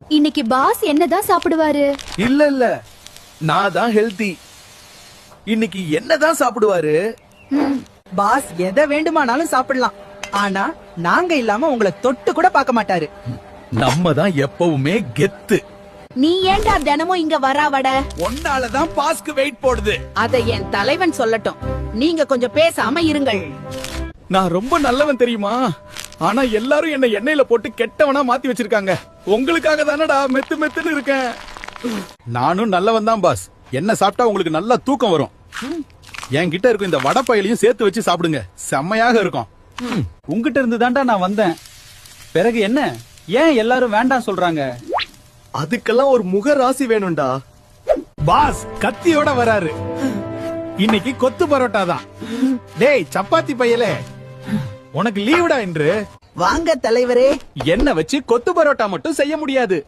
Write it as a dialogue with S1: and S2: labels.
S1: இன்னைக்கு பாஸ் என்னதான் சாப்பிடுவாரு?
S2: இல்ல நான் தான் ஹெல்தி. இன்னைக்கு என்னதான் சாப்பிடுவாரு?
S3: பாஸ் எதை வேண்டுமானாலும் சாப்பிடலாம், ஆனா நாங்க இல்லாம உங்களை தொட்டு கூட பார்க்க மாட்டாரு.
S2: நம்ம தான் எப்பவுமே கெத்து.
S4: நீ ஏன்டா தினமும் இங்க வராவட?
S2: ஒன்னாலதான் பாஸ்க்கு வெயிட் போடுது.
S4: அதை என் தலைவன் சொல்லட்டும். நீங்க கொஞ்சம் பேசாம இருங்கள்.
S2: நான் ரொம்ப நல்லவன் தெரியுமா? ஆனா எல்லாரும் என்ன எண்ணெயில போட்டு கெட்டவனா மாத்தி வச்சிருக்காங்க. உங்களுக்காக தானடா மெத்து மெத்துன்னு இருக்கேன். நானும் நல்லவன் தான் பாஸ். என்ன சாப்பிட்டா உங்களுக்கு நல்லா தூக்கம் வரும். என்கிட்ட இருக்கும் இந்த வடப்பயிலையும் சேர்த்து வச்சு சாப்பிடுங்க, செம்மையாக இருக்கும்.
S5: உங்ககிட்ட இருந்து தான்டா நான் வந்தேன். பிறகு என்ன, ஏன் எல்லாரும் வேண்டாம் சொல்றாங்க?
S6: அதுக்கெல்லாம் ஒரு முக ராசி வேணும்டா.
S2: பாஸ் கத்தியோட வராரு. இன்னைக்கு கொத்து பரோட்டா தான். டேய் சப்பாத்தி பையலே, உனக்கு லீவுடா என்று.
S3: வாங்க தலைவரே.
S2: என்ன வச்சு கொத்து பரோட்டா மட்டும் செய்ய முடியாது.